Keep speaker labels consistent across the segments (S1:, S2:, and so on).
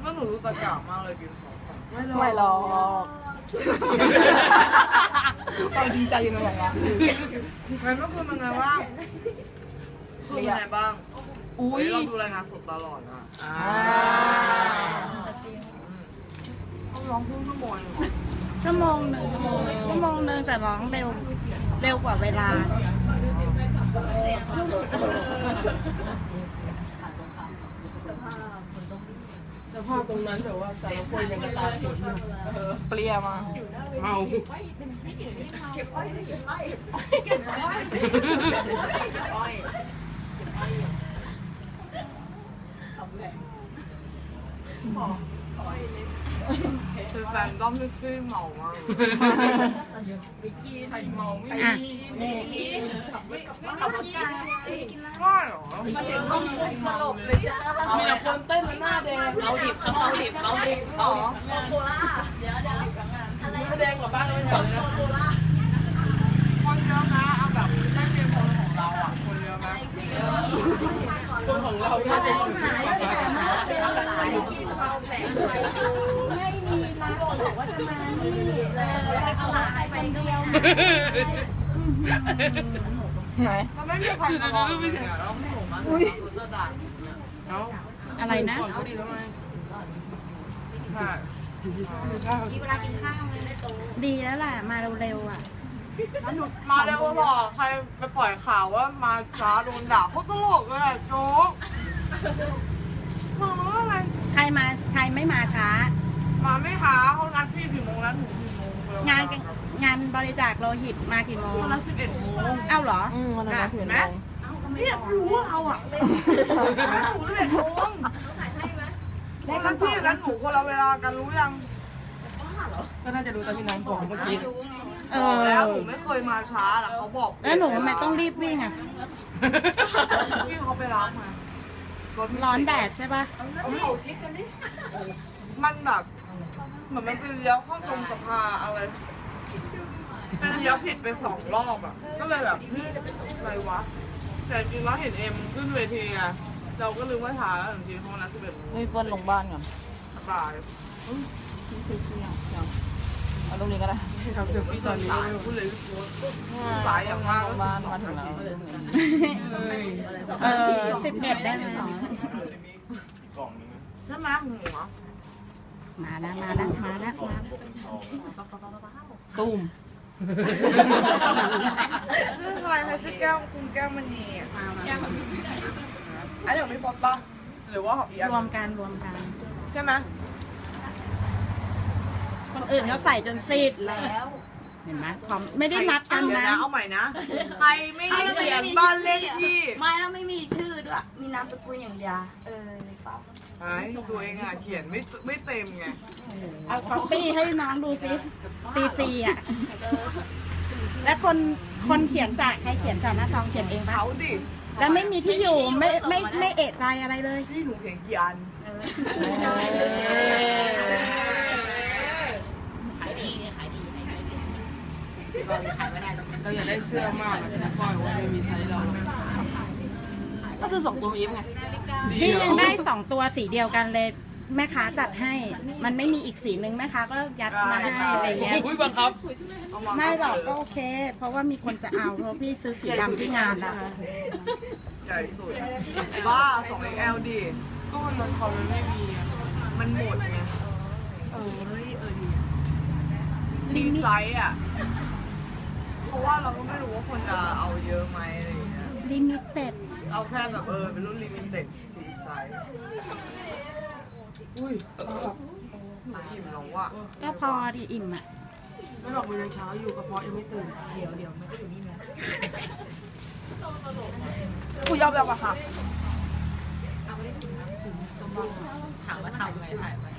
S1: ก็หนูรู้กระจ่างมากเลยกินของ
S2: ไม่หรอกความจริงใจอยู่ในอย่างนั้น
S1: งั้นเมื่อคืนเป็นไงบ้างเป็นไงบ้างอุ้ยเราดูรายงานสดตลอดนะเขาร้องครึ่งชั่วโมง
S3: ชั่วโมงหนึ่งแต่ร้องเร็วกว่าเวลา
S2: สภาพตรงนั้นแต่ว่าแต่ละคนยังกระตาฝนเปรี้ยมาเมาเก็บอ้อย
S1: คือแฟนก็ไม่ซื้อเมามาก
S2: วิกกี้ไทยเมาไม่มี
S1: ง่ายเหรอ
S2: สลบเลยจ้ามีแต่คนเต้นแล้วหน้าแดงเอาดิบหรอโคล่าเดี๋ยวแดงกว่าบ้านเราไม่เหรอนะ
S1: คนเยอะนะเอาแบบไม่เป็นคนของเราอ่ะคนเยอะไหม
S2: คนของเราไม่ได้อยู่ที่ไหน
S3: ไม่มีร้านบอกว่าจะมานี่แล้วเขาหายไปเดียว
S2: ไหน
S1: เราไม่มีใครมาลองเลยอ่ะเราไม่ถูกมั้ยเราจะด่า
S3: อะไรนะ
S2: ก็ดีแล้วไง
S4: มีเวลากินข้าวเลยได้โต
S3: ดีแล้วแหละมาเร็วๆอ่ะ
S1: หนุดมาเร็วหรอใครไปปล่อยข่าวว่ามาช้าโดนด่าเขาตลกเลยโจ๊กมาอะไร
S3: ใครไม่มาช้า
S1: มาไม่หาเขานัดพี่กี่โมงนัดหนูกี่โมง
S3: งานบริจาคโลหิตมากี่โมง
S1: นัด11 โมง
S3: เอ้าเหรอ
S2: วันนั้นถึงไหม
S1: เนี่ยรู้ว่าเราอ่ะหนู11 โมงแล้วนัดพี่นัดหนูคนละเวลากันรู้ยัง
S2: ก็น่าจะรู้ตอนที่น้องบอกเมื่อกี้
S1: แล้วหนูไม่เคยมาช้าหรอกเขาบอก
S3: แล้วหนูทำไมต้องรีบวิ่งอ่ะ
S1: พี่เขาไปล้างมา
S3: ร้อนแดดใช่ป่ะ
S1: เขาชิดกันดิมันแบบเหมือนมันเป็นเลี้ยวเข้าตรงสภาอะไรเป็นเลี้ยวผิดไป2 รอบอ่ะก็เลยแบบอะไรวะแต่จริงแล้วเห็นเอ็มขึ้นเวทีอ่ะเราก็ลืมว่าช้าแล้วจริงๆเพราะนัด11 โมง
S2: ไม่เปิ้ลลงบ้านก่อน
S1: สาย
S2: เอาตรงนี้ก็ได้
S1: ทำเซลฟี่ตอนนี้พูดเลยสายอย่างมาก
S2: บ้านมาถึงแล้ว
S3: 11ได้ไหม
S1: ใช่ไหมหัว
S3: มาแล้ว
S2: ตุ้ม
S1: ชื่อใครชื่อแก้วคุณแก้วมณีอันเดี๋ยวไม่พบป่ะหรือว่าหอบอีก
S3: รวมกัน
S1: ใช่ไหม
S3: คนอื่นเขาใส่จนซีดแล้วเห็นไหมความไม่ได้นัดกันนะ
S1: เอาใหม่นะใครไม่ได้เขียนบ้านเลขที่
S4: ไม่แล้วไม่มีชื่อด้วยมีนามสกุลอย่างเดียว
S1: ไอ้ตัวเองอ่ะเขียนไม่เต็มไง
S3: เอาคอปปี้ให้น้องดูซิซีอ่ะแล้วคนเขียนจากใครเขียนจากหน้าซองเขียนเองปะ
S1: เขาดิ
S3: แล้วไม่มีที่อยู่ไม่เอะใจอะไรเลย
S1: ที่หนูเขียนกี่อัน
S4: ขายดี
S2: เราอยากได้เสื้อมากแต่ก้อยว่าไม่มีไซส์เราก็ซื้อ2 ตัวอีฟไง
S3: พี่ยังได้2 ตัวสีเดียวกันเลยแม่ค้าจัดให้มันไม่มีอีกสีนึงแม่ค้าก็ยัดมาให้อะไรเงี้ย
S2: บังคับ
S3: ไม่หรอกก็โอเคเพราะว่ามีคนจะเอาเพราะพี่ซื้อสีดำที่งานแล้ว
S1: ใหญ่สุดบ้า2XL ดิ
S2: ก็มันเขาไม่มี
S1: มันหมดไงดีไซน์อ่ะเพราะว่าเราก็ไม่รู้ว่าคนจะเอาเยอะไหมอะไรอย่างเงี้ย
S3: ลิมิเต็ด
S1: เอาแค่แบบเป็นรุ่นลิมิเต็ดสีไซส์
S2: อุ้ย
S1: อิ่มแล้วว่ะ
S3: ก็พอดีอิ่มอ่ะ
S2: ไม่หรอกมันยังเช้าอยู่กระเพาะยังไม่ตื่นเดี๋ยวมันก็อยู่นี่ไงกูยอมแล้วอะค่ะ
S4: ถามว่าทำไงถ่ายไป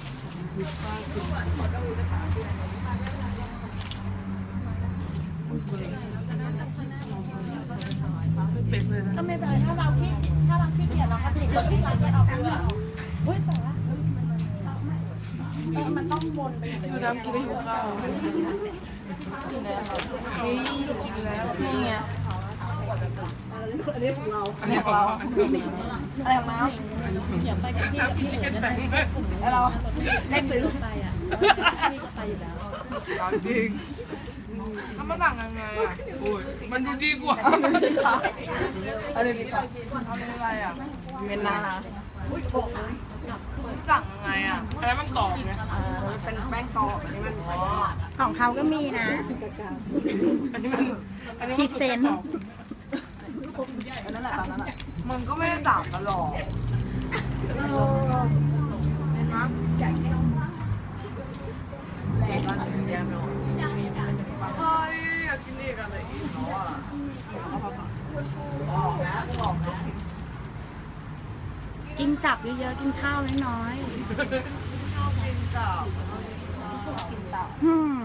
S3: ก็ไม่เป็นไรถ้าเราขี้เกียจเราก็ติดรถที่เราจะออกไปอุ้ยแต่ว่ามันต้องวนไป
S2: ดูน้ำกินได้หิวข้าวกินแล้วนี่ไงอันนี้ของเราอะไรของน้ำน้ำกินชิคเก้นแฟงแล้วเราเล็กซื้อ
S1: ร้อนจริงแล้วมันต่างยังไงอ่ะ
S2: โอ้ยมันดูดีกว่าอะไรดีกว่า
S1: ทำอะไรอ่ะ
S2: เมนนา
S1: ต่างยังไงอ่ะ
S2: อะไรมันกรอบไงเป็นแป้งกรอบอันนี้มัน
S3: ของเขาก็มีนะ
S2: อันนี้มันอันนี้
S3: พรีเซนต์
S2: อันนั้นแหละตอนนั้นแหละ
S1: มันก็ไม่ได้ต่างกันหรอกนะเฮ้ยอยากกินอีกอะไรอีกเนาะอ่ะ
S3: กินกลับเยอะๆกินข้าวน้อย
S1: ชอบกินกับ
S3: ๆอืม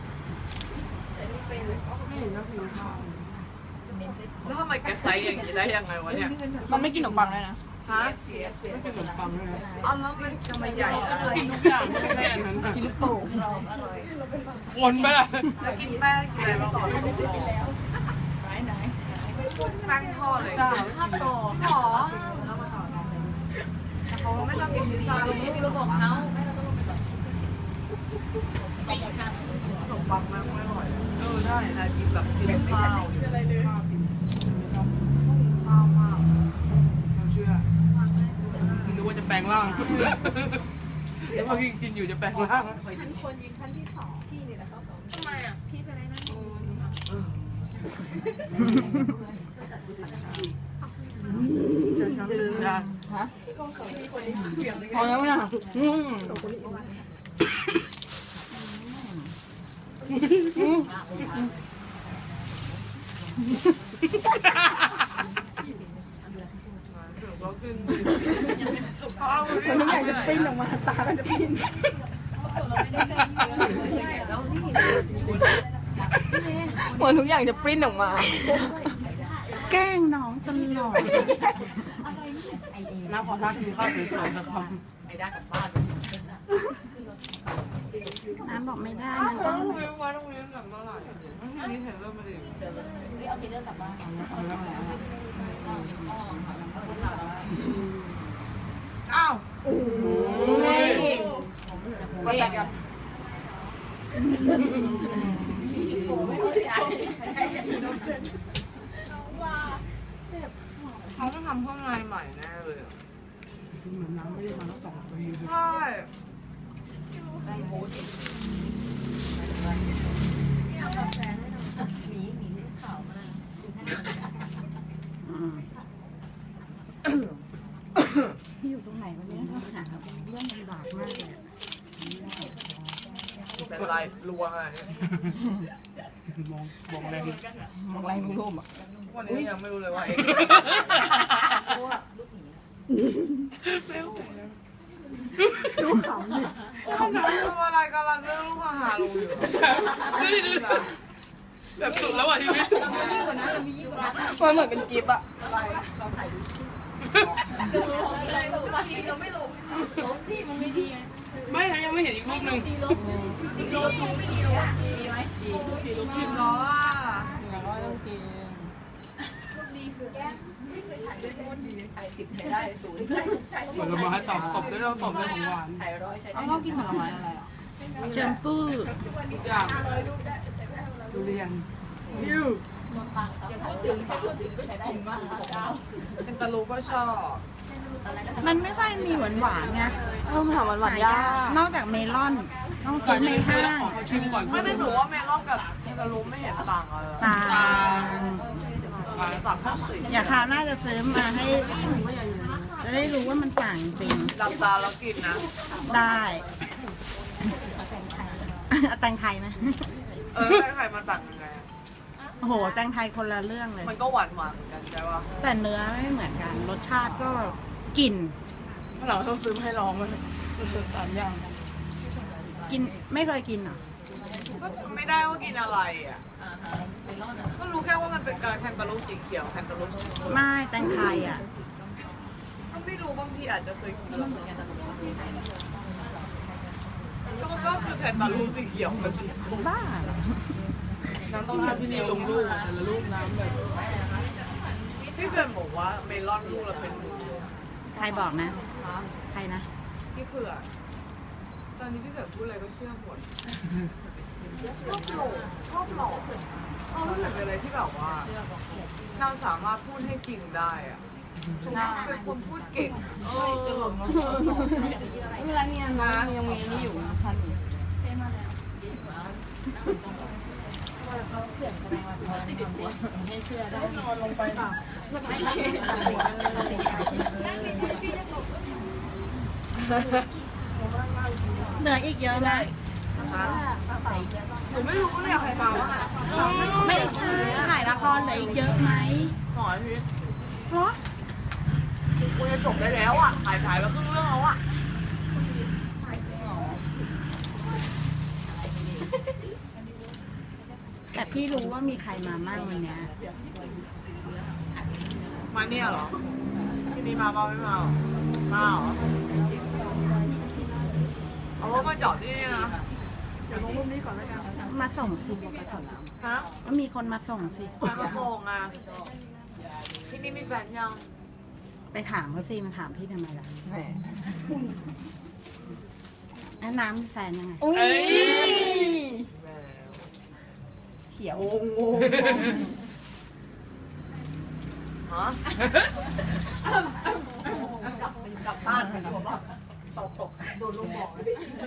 S1: แล้วทำไมแกไซส์อย่างนี้ได้ยังไงวะเนี่ย
S2: มันไม่กินขนมปังเลยนะ
S1: ฮะ
S2: ไม่กินขนมปังเลยนะ
S1: เอาแล้วมันทำไมใหญ่อะ
S2: กินทุกอย่างไม่ได้อันนั้นกินลูกโป่งคนไปละ
S1: แล้วกินแป้งกินอะไรบ้างก่อนแป้งทอดเลย
S2: จ้า
S1: หรอเขาไม่ชอบกินพิซซ่าเลยขนมปังมากไม่อร่อยได้นะกินแบบกินข้าวข้าวมากเราเชื่อ
S2: นึกว่าจะแปลงร่างนึกว่ากินอยู่จะแปลงร่าง ฮะพอแล้วนะ
S1: เรากิน
S2: มันอยากจะปิ้นออกมาตาก็จะปิ้น เหมือนทุกอย่างจะปริ้นออกมา
S3: แกล้งน้องตลอด
S2: น้าพอทักกินข้าวสวยๆสักค
S3: น้ำบอกไม่ได้
S1: อ้าว
S3: มันต้อง
S1: โรงเรียนว่าโรงเรียนแบบเมื่อไหร่ทีนี้เห็นเริ่มมาดิอ้าวโอ้ย
S2: ำมาแตกกัน
S1: เขาต้องทำข้างในใหม่แน่เลยอะ
S2: เหมือนน้ำไม่ได้มาแล้ว2 ปี
S1: ใช่
S3: พี่อยู่ตรงไหนวันนี้หาเรื่องลำบากมากเลย
S1: เป็นไรรัวอะไร
S2: มองแรงมองแรงรูปอ่ะ
S1: วันนี้ยังไม่รู้เลยว่าเองดูขำดิขำทำอะไรกำลังเรื่องลูกอาหารลงอยู่
S2: แบบสุดแล้วอ่ะชีวิตมันเหมือนเป็นกิฟต์อ่ะไม่นะยังไม่เห็นอีกรูปหนึ่ง
S1: จริงเหรอ
S2: อย่างน้อยต้องกินผลไม้ตบได้ต้องตบได้ของหวานเขาชอบกินผลไม้อะไรอ่ะ
S3: แชมพู
S2: ทุกอย่างดูเรียน
S1: ยูเป็นตะลูก็ชอบ
S3: มันไม่ค่อยมีหวานๆไง
S2: มันถามหวานยาก
S3: นอกจากเมลอน ต้องซื้อในห้าง
S2: ขอชิมก่อน
S1: ไม่ได้หนูว่าเมลอนกับตะลูไม่เห็นต่างอะไร
S3: ต่าง
S1: ต่างข้างสิ
S3: อย่าคราวหน้าจะซื้อมาให้ จะได้รู้ว่ามันต่างจริง
S1: หลับตาแล้วกินนะ
S3: ได้เอาแตงไทยไหม
S1: ใครมาต่างยังไง
S3: โอ้โห แตงไทยคนละเรื่องเลย
S1: มันก็หวานเหมือนกันใช่ป่ะ
S3: แต่เนื้อไม่เหมือนกัน รสชาติก็กลิ่น
S2: ถ้าเราต้องซื้อให้ลองเลย3 อย่าง
S3: กินไม่เคยกินเหรอ
S1: ก็จำไม่ได้ว่ากินอะไรอ่ะก็รู้แค่ว่ามันเป็นการแคนตาลูปสีเขียวแคนตาลูปสีส้ม
S3: ไม่แตงไทยอ่ะ
S1: ก็ไม่รู้บางทีอาจจะเคยกินแล้วก็คือแคนตาลูปสีเขียวกับสีส้ม
S3: บ้า
S2: น้ำต้องให้พี่นีลงรูปแต่ละรูปน้ำแบบ
S1: พี่เพื่อนบอกว่าเมลอนลูกละเป็นหมื่น
S3: ใครบอกนะ ใครนะ
S1: พี่เขือตอนนี้พี่เขือพูดอะไรก็เชื่อหมดชอบหลอกเขารู้สึกเป็นอะไรที่แบบว่าเราสามารถพูดให้จริงได้อะเป็นคนพูดเก่งจะหลง
S2: เวลาเนี่ยน้องยังมีนี่อยู่ทันอยู่
S3: เหลืออีกเยอะไหม
S1: หนูไม่รู้เลยใครมาว่า
S3: ไม่ใช่ถ่ายละครเหลืออีกเยอะไหม
S1: หอยพี่
S3: เพราะ
S1: กูจะจบได้แล้วอ่ะถ่ายมาครึ่งเรื่องแล้วอ่ะ
S3: แต่พี่รู้ว่ามีใครมามั่งวันเนี้ย
S1: มาเนี่ยเหรอที่นี่มาเปล่าไม่มาหรอมาเหรอเอารถมาจอดที่นี่นะเดี๋ยวลงรูปนี้ก่อนแล้วกัน
S3: มาส่งสิ
S1: ฮะ
S3: ก็มีคนมาส่งสิ
S1: ใครมาส่งอ่ะที่นี่มีแฟนยัง
S3: ไปถามเขาสิมาถามพี่ทำไมล่ะแล้วน้ำมีแฟนยังไง
S2: เขียว
S1: ฮะกลับบ้านกันบอกว่าตกโดนลูกบอก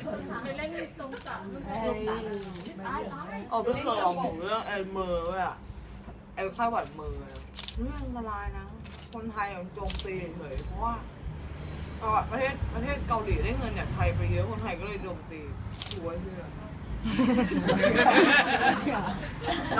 S1: ไม่เคยเอาหมูเรื่องไอ้เมอร์เลยอ่ะไอ้ข้าวหวานเมอร์นี่อันตรายนะคนไทยอย่างโจมตีเฉยเพราะว่าประเทศเกาหลีได้เงินจากไทยไปเยอะคนไทยก็เลยโจมตีดูไว้เชื่อ